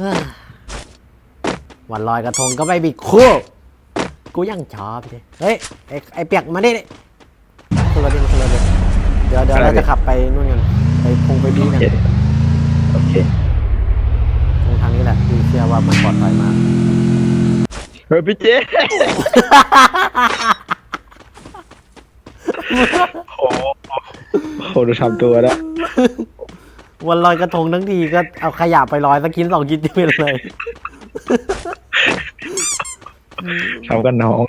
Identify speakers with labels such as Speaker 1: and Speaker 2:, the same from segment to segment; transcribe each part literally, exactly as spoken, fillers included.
Speaker 1: วันลอยกระทงก็ไม่มีคู่กูยังชอบเลยเฮ้ยไอ้ไอ้เปียกมาดิขึ้นรถดิขึ้นรถดิเดี๋ยวเดี๋ยวเราจะขับไปนู่นกันไปพงไปบีกัน
Speaker 2: โอเค
Speaker 1: ตรงทางนี้แหละพี่เชื่อว่ามันปลอดภัยมาก
Speaker 2: เฮ้ยพี่เจโอ้โหดูทำตัวแล้ว
Speaker 1: วันลอยกระทงทั้งทีก็เอาขยะไปลอยสักชิ้นสองชิ้นไปเลย
Speaker 2: ทำกันน้อง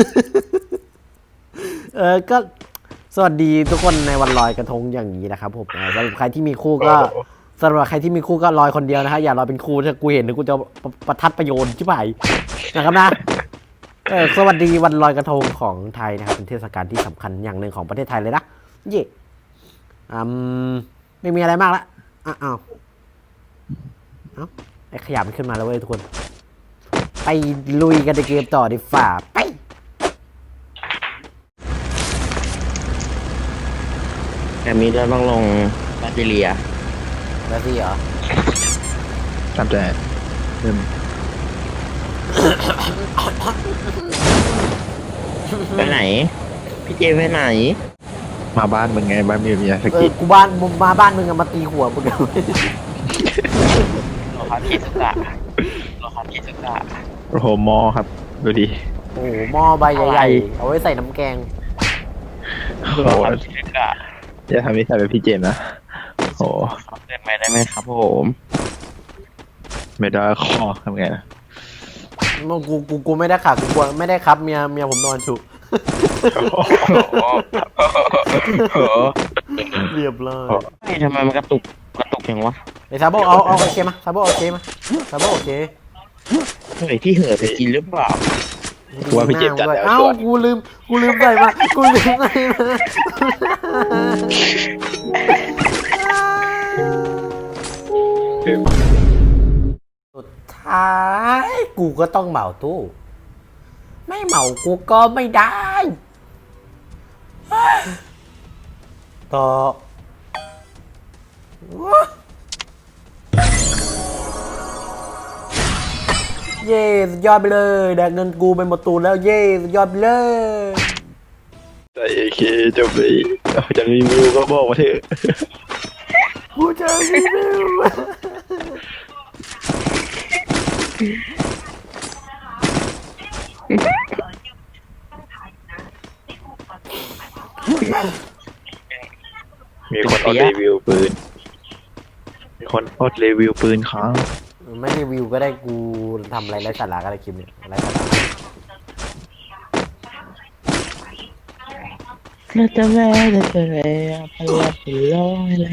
Speaker 1: เออก็สวัสดีทุกคนในวันลอยกระทงอย่างนี้นะครับผมสำหรับใครที่มีคู่ก็สำหรับใครที่มีคู่ก็ลอยคนเดียวนะฮะอย่าลอยเป็นคู่ถ้ากูเห็นนะกูจะประทัดประโยชน์ชิบหายนะครับนะเออสวัสดีวันลอยกระทงของไทยนะครับเป็นเทศกาลที่สำคัญอย่างหนึ่งของประเทศไทยเลยนะเย่อืมไม่มีอะไรมากละอ้าวอ้าวไอ้ขยะมันขึ้นมาแล้วเว้ยทุกคนไปลุยกันในเกมต่อดีฝ่าไป
Speaker 3: แต่มีเดินบ้างลงบาติเลีย
Speaker 1: แล้วสิเหรอ
Speaker 2: ทำแต่เริ่ม
Speaker 3: ไปไหนพี่เจไปไหน
Speaker 2: มาบ้านมึงไงบ้านมีเมียส
Speaker 1: กิกูบ้านมึงมาบ้านมึงอะมาตีหัวมึงเลย
Speaker 3: รอครับพี่สุกะรอครับพี่สุกะ
Speaker 2: โอ้โหมอครับดูดิ
Speaker 1: โอ้โหหม้อใบใหญ่ๆเอาไว้ใส่น้ำแกง
Speaker 3: รอครับพี่สุกะ
Speaker 2: จะทำนิสัยแบบพี่เจมนะโอ้
Speaker 3: เดินไปได้ไหมครับผม
Speaker 2: ไม่ได้ข้อทำไงนะ
Speaker 1: กูกูกูไม่ได้ขับกูไม่ได้ครับเมียเมียผมนอนฉุเรียบร้อย
Speaker 3: ทำไมมันกระตุกกระตุกอย่างวะ
Speaker 1: ไอ้ซาโบเอาเอาโอเคมาซาโบโอเคมาซาโบโอเค
Speaker 3: เฮ้ยพี่เหือไปกินหรือเปล่า
Speaker 2: กูว่าพี่เจ็บจัดแล้ว
Speaker 1: เอ้ากูลืมกูลืมใส่มากูลืมใส่มาสุดท้ายกูก็ต้องเหมาตู้ไม่เหมากูก็ไม่ได้ต่อเย่สุดยอดไปเลยแดกเงินกูไปหมดตูนแล้วเย่สุดยอดไปเลย
Speaker 2: แต่โอเคจบเลยจะรีวิวก็บอกมาเถอะ
Speaker 1: กูจะรีวิว
Speaker 2: มีคนอดรีวิวปืนมีคนอดรีวิวปืนค้าง
Speaker 1: ไม่รีวิวก็ได้กูทำอะไรไร้สาระก็ได้คลิปนี้ไร้สาระ
Speaker 3: เราจะแม่จะเจอพลังร้อยเลย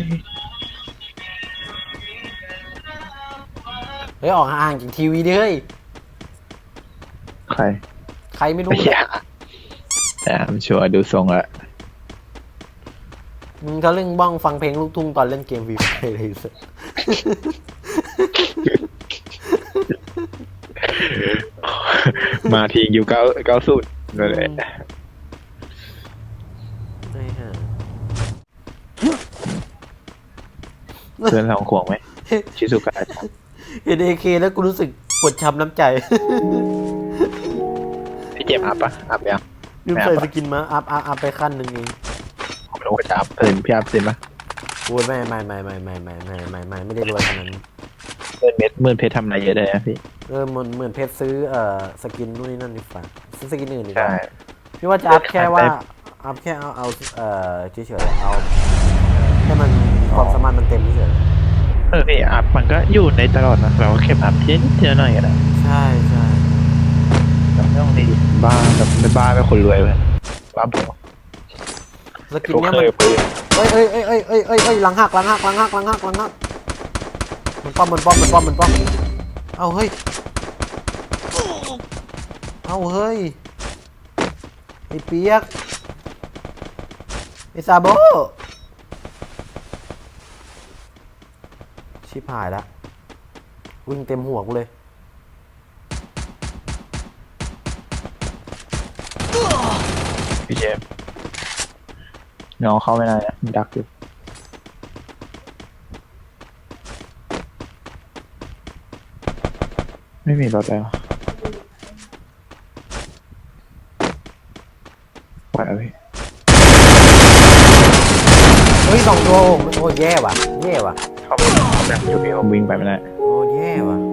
Speaker 1: เฮ้ยออกห่างจากทีวีดิเฮ้ย
Speaker 2: ใคร
Speaker 1: ใครไม่รู้
Speaker 2: แต่ผมชัวร์ดูทรงละ
Speaker 1: มึงเขาเล่นบ้องฟังเพลงลูกทุ่งตอนเล่นเกมวีไฟเลยสิ
Speaker 2: มาทีอยู่เก้าเก้าสุดเลยเพื่อนสองขวงไหมชิซุกะ
Speaker 1: เห็นเอเคแล้วกูรู้สึกปวดช้ำน้ำใจ
Speaker 2: พี่เจมอัพปะอัพยัง
Speaker 1: ลืมใส่สกินมาอัพอัพอัพไปขั้นหนึ่งเอง
Speaker 2: ผมรู้ว่าจะอัพเพิ่มพี่อัพเต็มปะ
Speaker 1: โอ้ยไม่ไม่ไม่ไม่ไม่ไม่ไม่ไม่ไม่ไม่ได้รวยขนาดนั้น
Speaker 2: เมื่อเม็ดเมื่อเพชรทำอะไรเยอะเลยนะพี่
Speaker 1: เออเหมือนเหมือนเพชรซื้อเอ่อสกินนู่นนี่นั่นดีฝ่าซื้อสกินอื่นดีกว่าพี่ว่าจะอัพแค่ว่าอัพแค่เอาเอาเอ่อเฉยๆเอาให้มันความสามารถมันเต็มเฉย
Speaker 2: เออพี่อัพมันก็อยู่ในตลอดนะเราก็แค่อัพทีนิดเดียวหน่อยก็ได้
Speaker 1: ใช่ใช่
Speaker 2: เราไม่ต้องดีบ้าแบบไม่บ้าไม่คนรวยเลยบ้าบอ
Speaker 1: สกินเนี้ยมันเอ้ยเอ้ยเอ้ยเอ้ยเอ้ยเอ้ยเอ้ยหลังหักหลังหักหลังหักหลังหักหลังหักมันป้อมมันป้อมมันป้อมมันป้อมเอาเฮ้ยเอาเฮ้ยไอ้เปียกไอ้ซาโบชิบหายละวิ่งเต็มหัวกูเลย
Speaker 2: พี่เจมน้องเข้าไม่ได้นะมันดักอยู่
Speaker 1: เ
Speaker 2: ไม่มีรถแล้วปล่อยเอาพี่
Speaker 1: เฮ้ยสองตัวโอ้โหแย่ว่ะแย่ว่ะ
Speaker 2: เขาไม่เขาแบบอยู่พี่ผมวิ่งไปไม่ได้
Speaker 1: โอ้แย่ว่ะ